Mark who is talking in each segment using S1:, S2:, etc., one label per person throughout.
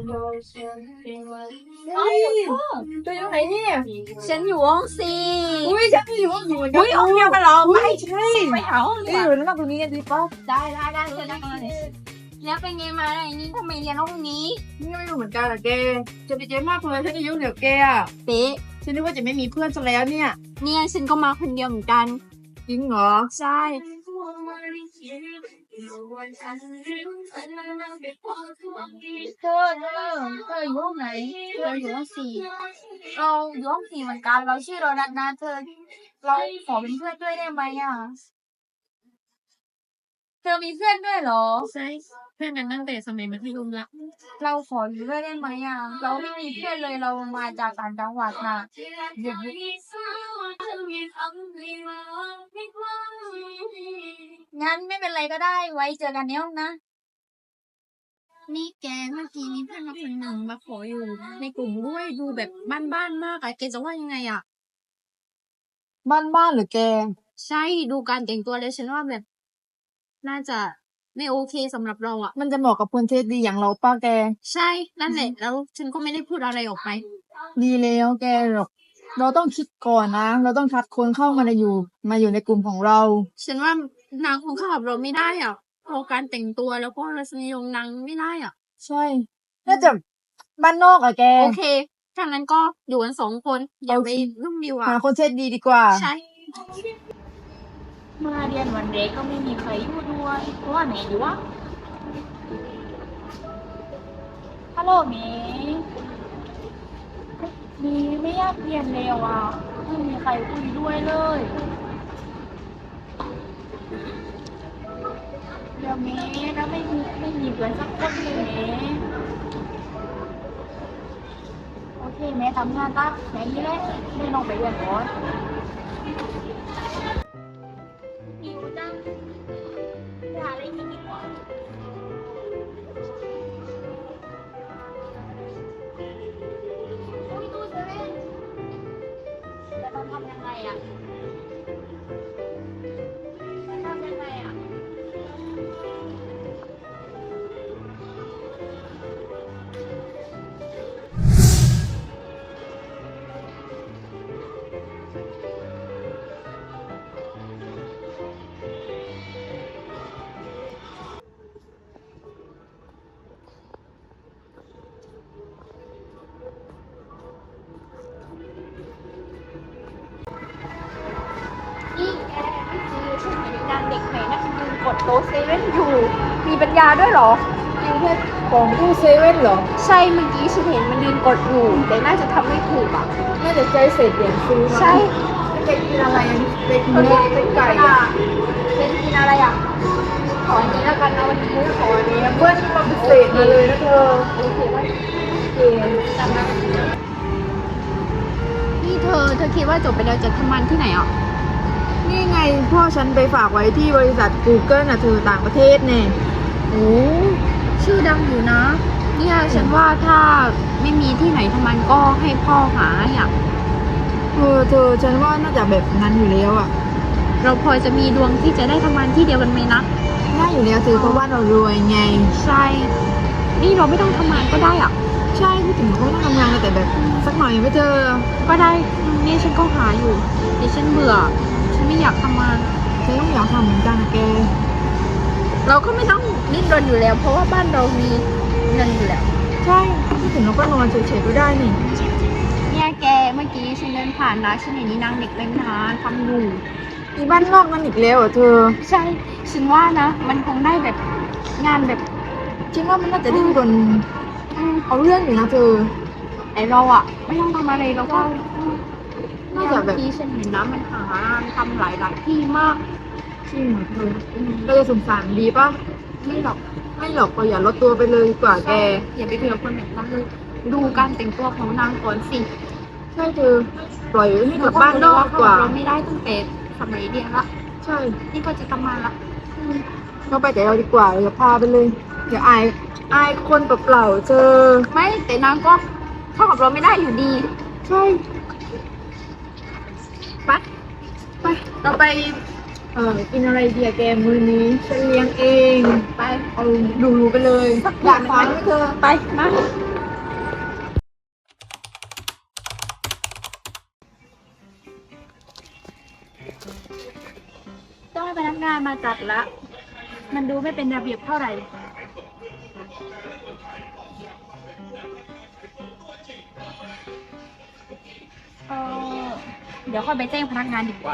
S1: เฮ้ยตัวอยู่ไหนเนี่ย
S2: ฉันอยู่ห้องสี่
S1: อุ้ยฉันก็อยู่ห้องอยู่เหมือนกั
S2: อุ้ยห้องเดียวกันเหรอ
S1: ไม่ใช่
S2: ไปหาห้องดีกว่า
S1: อยู่นั่งตรงนี้กันดีป่ะ
S2: ได้เชิญนั่งกันเลยแล้วเป็นไงมาไหนนี่ทำไมเรียนห้องนี้
S1: นี่ก็ไม่รู้เหมือนกันอะแกจะไปเจ๊มากเลยฉันอายุเหนือแกอะ
S2: เป๊ะ
S1: ฉันนึกว่าจะไม่มีเพื่อนซะแล้วเนี่ย
S2: เนี่ยฉันก็มาคนเดียวเหมือนกัน
S1: จริงเหรอ
S2: ใช่ เธออยู่ห้องไหนเธออยู่ห้องสี่เราอยู่ห้องสี่เหมือนกันเราชื่อโดนัทนะเธอเราขอเป็นเพื่อนด้วยได้ไหมอ่ะเธอมีเพื่อนด้วยเหรอ
S3: ใช่เพื่อนกันตั้งแต่สมัยมัธยมละ
S2: เราขออยู่ด้วยได้ไหมอ่ะเราไม่มีเพื่อนเลยเรามาจากต่างจังหวัดนะเดี๋ยวงั้นไม่เป็นไรก็ได้ไว้เจอกันในห้องนะ
S3: นี่แกเมื่อกี้มีเพื่อนมาคนหนึ่งมาขออยู่ในกลุ่มด้วยดูแบบบ้านๆมากอะแกจะว่ายังไงอะ
S1: บ้านหรือแก
S3: ใช่ดูการแต่งตัวเลยฉันว่าแบบ น่าจะไม่โอเคสำหรับเราอะ
S1: มันจะเหมาะกับคนเทสดีอย่างเราป้าแก
S3: ใช่นั่นแหละแล้วฉันก็ไม่ได้พูดอะไรออกไป
S1: ดีแล้วแกหรอกเราต้องคิดก่อนนะ เราต้องคัดคนเข้ามาอยู่ในกลุ่มของเรา
S3: ฉันว่านางคงเข้ากับเราไม่ได้อะเพราะการแต่งตัวแล้วก็รสนิยมนางไม่ได้อะ
S1: ใช่ น่าจะบ้านนอกอะแก
S3: โอเคถ้างั้นก็อยู่กัน2 คนอย่าไปรุ่มดีกว่า
S1: หาคนเทสดีดีกว่า
S3: ใช่
S2: มาเรียนวันเด็กก็ไม่มีใครอยู่ด้วยเพราะว่าไหนอยู่วะฮัลโหลเมย์มีไม่อยากเรียนเร็วอ่ะไม่มีใครคุยด้วยเลยเดี๋ยวเมย์แล้วไม่มีเพื่อนสักคนเลยเมย์โอเคเมย์ทำงานตั้งแค่นี้แหละไม่ต้องไปเรียนก่อนหิวจังหาอะไรกินดีกว่าอุ้ยตู้เซเว่นจะต้องทำยังไงอ่ะจะทำยังไงอ่ะนี่แกไม่ซื้อฉันเห็นนางเด็กไหนนะยืนกดโต๊ะเซเว่นอยู่ มีปัญญาด้วยเหรอ
S1: กินแค่ของตู้เซเว่นเหรอ
S2: ใช่เมื่อกี้ฉันเห็นมันยืนกดอยู่แต่น่าจะทำไม่ถูกอ่ะ
S1: น่าจะใจเศษเหรียญซื้อมั้ง
S2: ใช่
S1: ไม่เคยกินอะไรอ่ะสเต็กเนื้อสเต็กไก่อ่ะ
S2: เป็นกินอะไรอ่ะ ขออันนี้แล้วกันนะวันนี้ขออันนี้แล้ว
S1: เพื่อนมาพิเศษมาเลยนะเธอ
S2: โอเคไหม
S1: โอเค
S2: จำนะ
S3: นี่เธอคิดว่าจบไปแล้วจะทำงานที่ไหนอ่ะ
S1: นี่ไงพ่อฉันไปฝากไว้ที่บริษัท Google น่ะเธอต่างประเทศเนี่ย
S3: โอ้ชื่อดังอยู่นะ เนี่ยฉันว่าถ้าไม่มีที่ไหนทำงานก็ให้พ่อหาให้อ่ะ
S1: เธอฉันว่าน่าจะแบบนั้นอยู่แล้วอ่ะ
S3: เราพอจะมีดวงที่จะได้ทำงานที่เดียวกันไหมนะ
S1: น่าอยู่แล้วเธอเพราะว่าเรารวยไง
S3: ใช่ นี่เราไม่ต้องทำงานก็ได้อ่ะ
S1: ใช่พูดถึงเขาต้องทำงานกันแต่แบบสักหน่อยไม่เจอ
S3: ก็ได้นี่ฉันก็หาอยู่ดิฉันเบื่อ ฉันไม่อยากทำงาน
S1: ฉันต้องอยากทำเหมือนกันนะแก
S3: เราก็ไม่ต้องดิ้นรนอยู่แล้ว เพราะว่าบ้านเรามีเงินอยู่แล้ว
S1: ใช่พูดถึงเราก็นอนเฉยๆก็ได้นี่
S3: เนี่ยแกเมื่อกี้ฉันเดินผ่านนะฉันเห็นนี่นางเด็กเล่นน้ำทำอยู่
S1: มีบ้านนอกนั่นอีกแล้วเหรอเธอ
S3: ใช่ ฉันว่านะ มันคงได้แบบงานแบบ
S1: ฉันว่ามันน่าจะดิ้นรนเอาเรื่องอยู่นะเธอ
S3: ไอเราอะไม่ต้องทำอะไรเราก็
S1: น่าจะแบบ
S3: ที่ฉันเห็นนะมันหางานทำหลายที่มาก
S1: จริงเหรอเธอเราจะสงสารดีป่ะ
S3: ไม่หรอก
S1: ไม่หรอกเราอย่าลดตัวไปเลยดีกว่าแก
S3: อย่าไปเถื่อคนแบบนั้นเลยดูการแต่งตัวของนางก่อนสิ
S1: ใช่เธอปล่อยให้กลับบ้านนอกดีกว่า
S3: เราไม่ได้ตั้งแต่สมัยเรียนละ
S1: ใช่
S3: นี่ก็จะทำงานละ
S1: เราไปแต่เราดีกว่าอย่าพาไปเลยอย่าอายคนเปล่าๆเธอ
S3: ไม่แต่นางก็เข้ากับเราไม่ได้อยู่ดี
S1: ใช่
S3: ไป
S1: ไปเราไปกินอะไรดีอะแกมื้อนี้ฉันเลี้ยงเอง
S3: ไป
S1: เอาดูไปเลยอยากฟังไหมเธอ
S3: ไปมา
S2: งานมาจัดละ มันดูไม่เป็นระเบียบเท่าไหร่ เออเดี๋ยวค่อยไปแจ้งพนักงานดีกว่า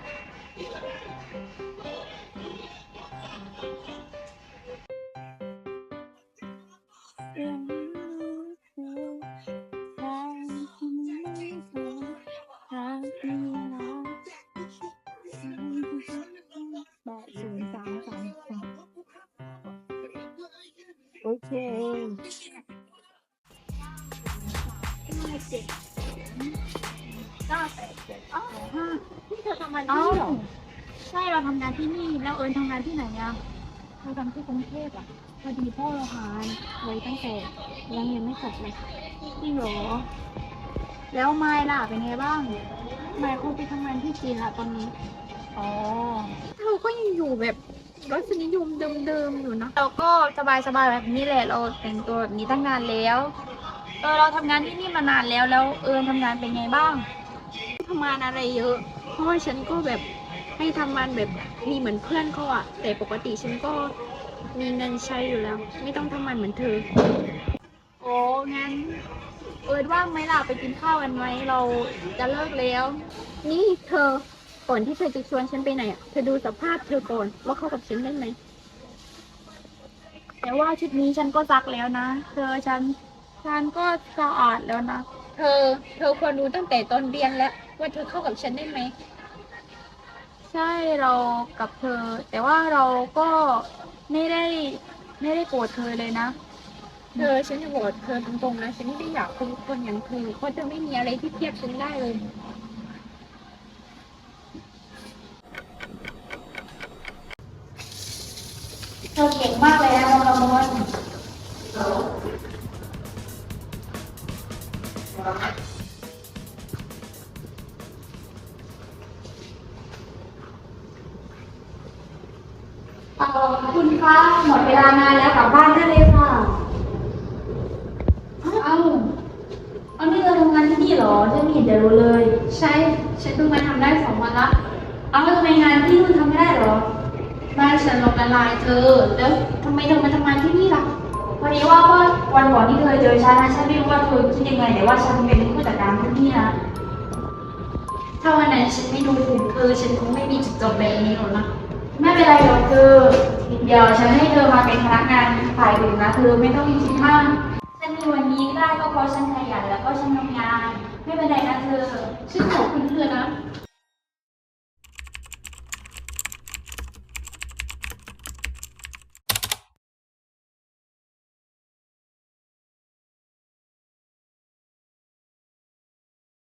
S1: โอเค
S2: นี่เธอทำงานที่นี่เหรอ ใช่เราทำงานที่นี่ แล้วเอิญทำงานที่ไหนอะเราทำที่กรุงเทพอะพอดีพ่อเราหายไว้ตั้งแต่ยังเรียนไม่จบเลยจริงเหรอ แล้วไมล์ล่ะเป็นไงบ้างไมล์คงไปทำงานที่จีนละตอนนี้ อ๋อเราก็ยังอยู่แบบรสนิยมเดิมๆอยู่นะ เราก็สบายๆแบบนี้แหละ เราแต่งตัวแบบนี้ตั้งนานแล้ว เราทำงานที่นี่มานานแล้ว แล้วเอิญทำงานเป็นไงบ้าง
S3: ทำงานอะไรเยอะ เพราะว่าฉันก็แบบให้ทำงานแบบมีเหมือนเพื่อนเขาอะแต่ปกติฉันก็มีเงินใช้อยู่แล้ว ไม่ต้องทำงานเหมือนเธอ
S2: โอ้งั้น เอิญว่างไหมล่ะไปกินข้าวกันไหมเราจะเลิกแล้ว
S3: นี่เธอก่อนที่เธอจะชวนฉันไปไหนอะเธอดูสภาพเธอก่อนว่าเข้ากับฉันได้ไหม
S2: แต่ว่าชุดนี้ฉันก็ซักแล้วนะ ฉันก็สะอาดแล้วนะ
S3: เธอควรรู้ตั้งแต่ตอนเรียนแล้วว่าเธอเข้ากับฉันได้ไหม
S2: ใช่เรากับเธอ แต่ว่าเราก็ไม่ได้โกรธเธอเลยนะ
S3: ฉันจะบอกเธอตรงๆนะฉันไม่ได้อยากเป็นคนอย่างเธอเพราะเธอไม่มีอะไรที่เทียบฉันได้เลย
S2: เธอเก่งมากเลยนะน้องกมลคุณคะหมดเวลางานแล้วกลับบ้านได้เลยค่ะ เอานี่เธอทำงานที่นี่เหรอฉันไม่เห็นจะรู้เลย
S3: ใช่ ฉันเพิ่งมาทำได้2 วันละ
S2: เอาแล้วทำไมงานที่คุณทำไม่ได้เหรอ
S3: บ้านฉันล้มละลายเธอ แล้วทำไมเธอมาทำงานที่นี่ล่ะ
S2: พอดีว่าเมื่อวันก่อนที่เธอเจอฉันนะฉันไม่รู้ว่าเธอคิดยังไงแต่ว่าฉันเป็นผู้จัดการที่นี่นะ
S3: ถ้าวันนั้นฉันไม่ดูถูกเธอ ฉันคงไม่มีจุดจบแบบนี้หรอกนะ
S2: ไม่เป็นไรหรอกเธอ เดี๋ยวฉันให้เธอมาเป็นพนักงานฝ่ายอื่นนะเธอไม่ต้องคิดมากฉันมีวันนี้ได้ก็เพราะฉันขยันแล้วก็ฉันทำงาน ไม่เป็นไรนะเธอ
S3: ฉันขอบคุณเธอนะ